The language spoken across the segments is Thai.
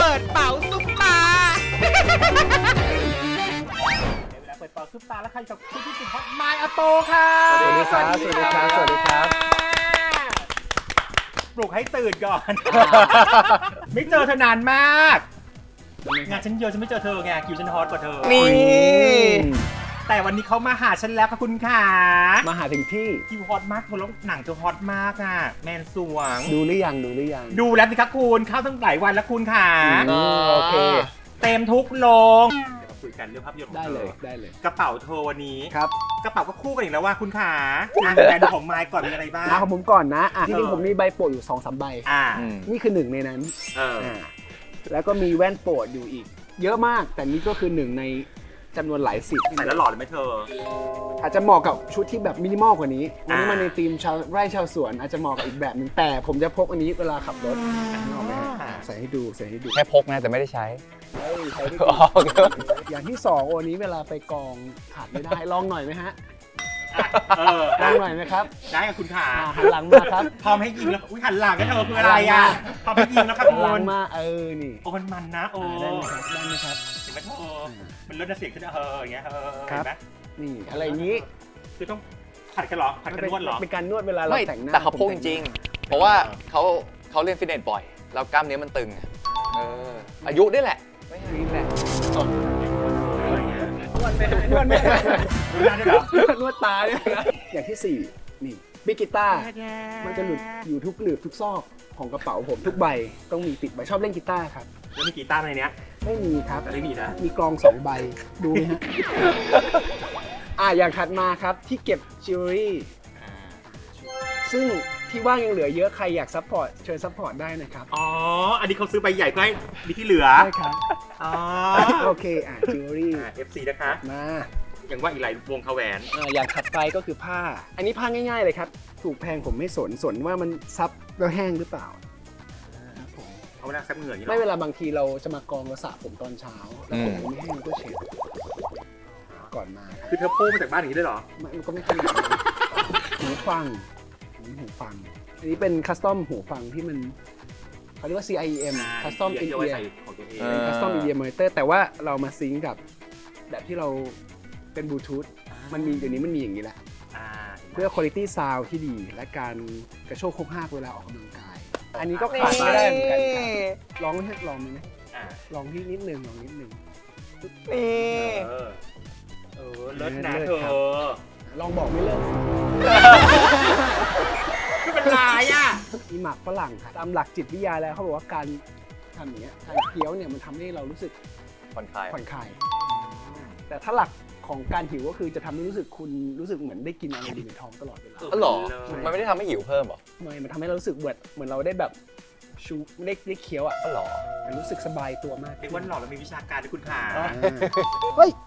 ปิดเป๋าซุปตาเวลาเปิดเป๋าซุปตาแล้วใครกับคุณที่ติดฮอตไมล์อาโปค่ะสวัสดีครับสวัสดีครับสวัสดีครับปลุกให้ตื่นก่อน ไม่เจอเธอนานมากงานฉันเยอะฉันไม่เจอเธอไงคิวฉันฮอตกว่าเธอนี่แต่วันนี้เขามาหาฉันแล้วค่ะคุณขามาหาถึงที่คิวฮอตมากเธอแล้วหนังเธอฮอตมากอ่ะแมนสวงดูหรือยังดูหรือยังดูแล้วสิคะคุณเข้าตั้งหลายวันแล้วคุณขาโอเคเต็มทุกโรง เดี๋ยวมาคุยกันเรื่องภาพยนตร์ของได้เธเลยอได้เลยกระเป๋าเธอวันนี้ครับกระเป๋าก็คู่กันอีกแล้วว่าคุณขาอ่ะแบรนด์ของไมค์ก่อนมีอะไรบ้างของผมก่อนนะจริงๆผมมีใบโปรดอยู่ 2-3 ใบ นี่คือหนึ่งในนั้นแล้วก็มีแว่นโปรดอยู่อีก เยอะมากแต่นี่ก็คือหนึ่งในจำนวนหลายสิบใส่แล้วหล่อเลยไหมเธออาจจะเหมาะกับชุดที่แบบมินิมอลกว่านี้วันนี้มาในธีมชาวไร่ชาวสวนอาจจะเหมาะกับอีกแบบหนึ่งแต่ผมจะพกอันนี้เวลาขับรถใส่ให้ดูใส่ให้ดูแค่พกนะแต่ไม่ได้ใช้ใช้ได้ดีอย่างที่สองวันนี้เวลาไปกองขาดไม่ได้ลองหน่อยไหมฮะลองหน่อยไหมครับได้กับคุณขาหันหลังมาครับพร้อมให้ยิงแล้วอุ้ยหันหลังกันเธอคืออะไรอ่ะพร้อมให้ยิงแล้วครับหันคุหลังณมานี่โอ้มันนะโอ้ได้ไหมครับได้ไหมครับเห็นไหมเธอมันลดเสียงขึ้นอย่างเงี้ยเห็นไหมนี่อะไรอย่างนี้คือต้องผัดกันเหรอผัดกันนวดเหรอเป็นการนวดเวลาเราไม่แต่งหน้าแต่เขาพกจริงๆ เพราะว่าเขาเล่นฟิตเนสบ่อย แล้วกล้ามเนื้อมันตึงอายุด้วยแหละ ไม่ใช่แหละนวดไม่ได้นวดไม่ได้ดูหน้าด้วยเหรอนวดตาเนี่ยนะอย่างที่สี่นี่บิกิต้ามันจะหลุดอยู่ทุกหลืบทุกซอกของกระเป๋าผมทุกใบต้องมีติดใบชอบเล่นกีตาร์ครับแล้วมีกีตาร์ในเนี้ยไม่มีครับไม่มีนะมีกลอง2ใบดูไหมฮะ อย่างถัดมาครับที่เก็บจิวเวลรี่ซึ่งที่ว่างยังเหลือเยอะใครอยากซัพพอร์ตเชิญซัพพอร์ตได้นะครับอ๋ออันนี้เขาซื้อใบใหญ่เพื่อให้มีที่เหลือใช่ครับอ๋อโอเคจิวเวลรี่ FC นะคะมาอย่างว่าอีกหลายวงคาแหวนอย่างถัดไปก็คือผ้า อันนี้ผ้าง่ายๆเลยครับถูกแพงผมไม่สนว่ามันซับแล้วแห้งหรือเปล่าเอาเวลาซับเหงื่ออย่างนี้หรไม่อเวลาบางทีเราจะมากองเราสระผมตอนเช้าแล้วผมไม่แห้งก็เช็ดก่อนมาครับคือเธอโป้มาจากบ้านอย่างนี้เลยเหรอมันก็ไม่ขนาดนั้นหูฟังอันนี้เป็นคัสตอมหูฟังที่มันเขาเรียกว่า CIEM Custom In เดี๋ยวไว้ Ear ใส่ของตัวเองเป็น Custom In Ear Monitor แต่ว่าเรามาซิงก์กับแบบที่เราเป็นบลูทูธมันมีเดี๋ยวนี้มันมีอย่างนี้แหละเพื่อ Quality Sound ที่ดีและการกระโชกโคกหักเวลาออกกำลังกาย อันนี้ก็ขาดไม่ได้เหมือนกันครับลองไหมลองไหมลองที่นิดนึงลองนิดนึงนี่เลิศนะเธอลองบอกไม่เลิกคือเป็นลายอ่ะมีหมักฝรั่งครับตามหลักจิตวิทยาแล้วเขาบอกว่าการทำอย่างเงี้ยการเคี้ยวเนี่ยมันทำให้เรารู้สึกผ่อนคลายผ่อนคลายแต่ถ้าหลักของการหิวก็คือจะทำให้รู้สึกคุณรู้สึกเหมือนได้กินอะไรอยู่ในท้องตลอดเวลาอ๋อเหรอ มันไม่ได้ทำให้หิวเพิ่มหรอมันทำให้เรารู้สึกเหมือนเราได้แบบชูได้เคี้ยวอ่ะอ๋อเหรอมันรู้สึกสบายตัวมากเป็นวันหล่อแล้วมีวิชาการด้วยคุณขาเฮ้ย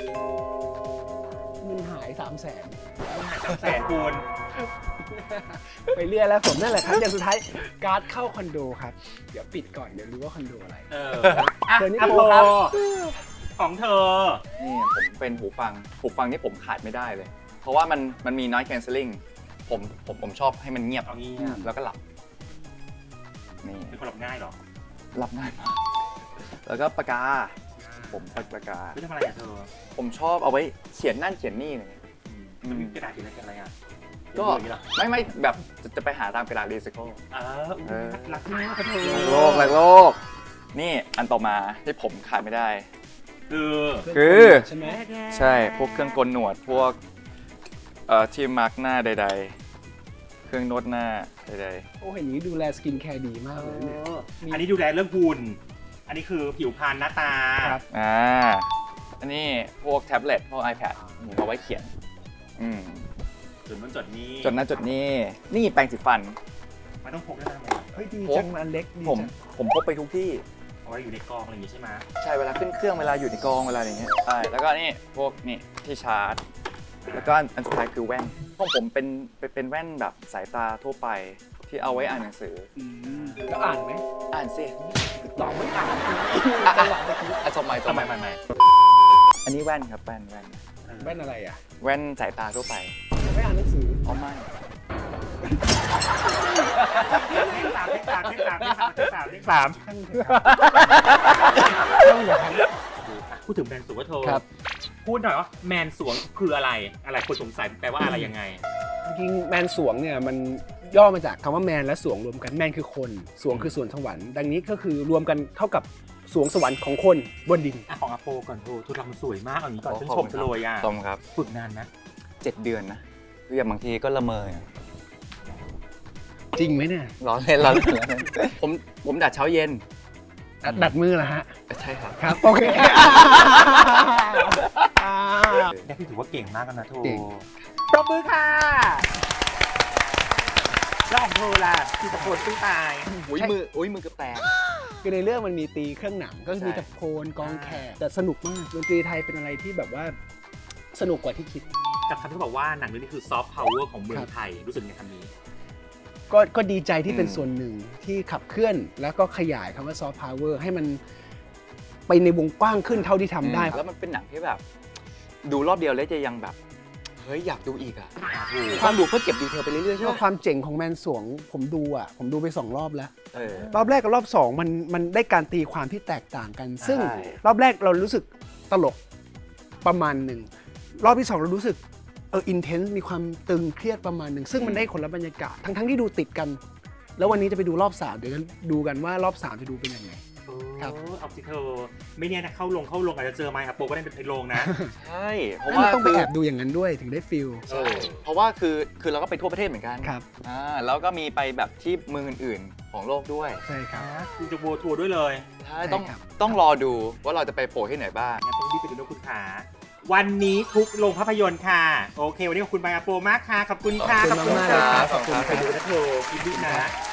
เงินหาย300,000 300,000คูณไปเรียกแล้วผมนั่นแหละครับอย่างสุดท้ายการ์ดเข้าคอนโดครับเดี๋ยวปิดก่อนเดี๋ยวรู้ว่าคอนโดอะไรอ่ะเดี๋ยวนี้อัปโปโปรครับของเธอนี่ผมเป็นหูฟังนี่ผมขาดไม่ได้เลย เพราะว่ามันมี noise cancelling ผมชอบให้มันเงียบเอางี้แล้วก็หลับ นี่เป็นคนหลับง่ายเหรอหลับง่ายมาก แล้วก็ปากกา ผมปากกาไม่ทำอะไรอ่ะเธอผมชอบเอาไว้เขียนนั่นเขียนนี่เลยมันมีกระดาษอะไรอ่ะก็ไม่แบบจะไปหาตามกระดาษรีไซเคิลรักมากเธอรักโลก นี่อันต่อมาที่ผมขาดไม่ได้คือใช่ไหมใช่พวกเครื่องกลหนวดพวกที่มาร์กหน้าใดๆ เครื่องนวดหน้าใดโอ้เห็นอย่างนี้ดูแลสกินแคร์ดีมากเลยเนี่ยอันนี้ดูแลเรื่องหุ่นอันนี้คือผิวพรรณหน้าตาครับอันนี้พวกแท็บเล็ตพวก iPad เอาไว้เขียนจดนั้นจดนี้จดนั้นจดนี้นี่แปรงสีฟันมันต้องพกได้ไหมเฮ้ยดีจังมันเล็กดีผมจังผมพกไปทุกที่เอาไว้อยู่ในกองอะไรอย่างงี้ใช่ไหมใช่เวลาขึ้นเครื่องเวลาอยู่ในกองเวลาอย่างเงี้ยใช่แล้วก็นี่พวกนี่ที่ชาร์จ แล้วก็อันสุดท้ายคือแว่นพวกผมเป็นแว่นแบบสายตาทั่วไปที่เอาไว้อ่านหนังสือแล้วอ่านไหมอ่านสิตอบไม่อ่านจบใหม่อันนี้แว่นครับแว่นแว่นอะไรอ่ะแว่นสายตาทั่วไปไม่อ่านหนังสือเอาไม่เลขสามเลขสามเลขสามเลขสามเลขสามเลขสามต้องอย่างนั้นพูดถึงแมนสวงว่าเธอครับพูดหน่อยว่าแมนสวงคืออะไรอะไรคนสงสัยแปลว่าอะไรยังไงจริงๆแมนสวงเนี่ยมันย่อมาจากคำว่าแมนและสวงรวมกันแมนคือคนสวงคือสวนสวรรค์ดังนี้ก็คือรวมกันเท่ากับสวงสวรรค์ของคนบนดินอ่ะของอาโปก่อนโทรรำสวยมากเอาอย่างนี้ก่อนฉันชมเธอเลยอ่ะชมครับฝึกนานนะ 7 เดือนนะคืออย่างบางทีก็ละเมอจริงไหมเนี่ยร้อนเล่นร้อนเล่นผมดัดเช้าเย็นดัดมือเหรอฮะใช่ครับครับโอเคแดกพี่ถือว่าเก่งมากแล้วนะโทรเก่งปรบมือค่ะแล้วของเธอล่ะที่ตะโกนสู้ตายอุ้ยมือเกือบแตกคือในเรื่องมันมีตีเครื่องหนังก็มีใช่ตะโพนกองแขกแต่สนุกมากดนตรีไทยเป็นอะไรที่แบบว่าสนุกกว่าที่คิดกับคำที่บอกว่าหนังเรื่องนี้คือซอฟต์พาวเวอร์ของเมืองไทยรู้สึกยังไงคำนี้ก็ดีใจที่เป็นส่วนหนึ่งที่ขับเคลื่อนแล้วก็ขยายคำว่าซอฟต์พาวเวอร์ให้มันไปในวงกว้างขึ้นเท่าที่ทำได้แล้วมันเป็นหนังที่แบบ ดูรอบเดียวแล้วจะยังแบบ เฮ้ยอยากดูอีกอ่ะถูกต้องดูเพื่อเก็บดีเทลไปเรื่อยๆใช่ก็ไหมความเจ๋งของแมนสวงผมดูไป2 รอบแล้วเออรอบแรกกับรอบ2มันได้การตีความที่แตกต่างกัน ซึ่งใช่รอบแรกเรารู้สึกตลกประมาณหนึ่งรอบที่2เรารู้สึกอินเทนส์มีความตึงเครียดประมาณหนึ่งซึ่งมันได้คนละบรรยากาศทั้งที่ดูติดกัน แล้ววันนี้จะไปดูรอบ3เดี๋ยวดูกันว่ารอบ3จะดูเป็นยังไง ครับเอาสิเธอไม่เนี่ยนะเข้าลงอาจจะเจอไมค์อาโปก็ได้เป็นเพลงลงนะใช่เพราะให้ว่ามันต้องไปคือแอบดูอย่างนั้นด้วยถึงได้ฟิลใช่เพราะว่าคือเราก็ไปทั่วประเทศเหมือนกันครับแล้วก็มีไปแบบที่เมืองอื่นๆของโลกด้วยใช่ครับคุณจะโบทัวร์ด้วยเลยใช่ใช่ต้องครับต้องรอดูว่าเราจะไปโผล่ที่ไหนบ้างงั้นต้องรีบไปดูนะคุณขาวันนี้ทุกโรงภาพยนตร์ค่ะ โอเค วันนี้ขอบคุณไมค์อาโปมากค่ะ ขอบคุณค่ะขอบคุณมากๆเลยครับขอบคุณครับไปดูนะเธอคิดดีนะ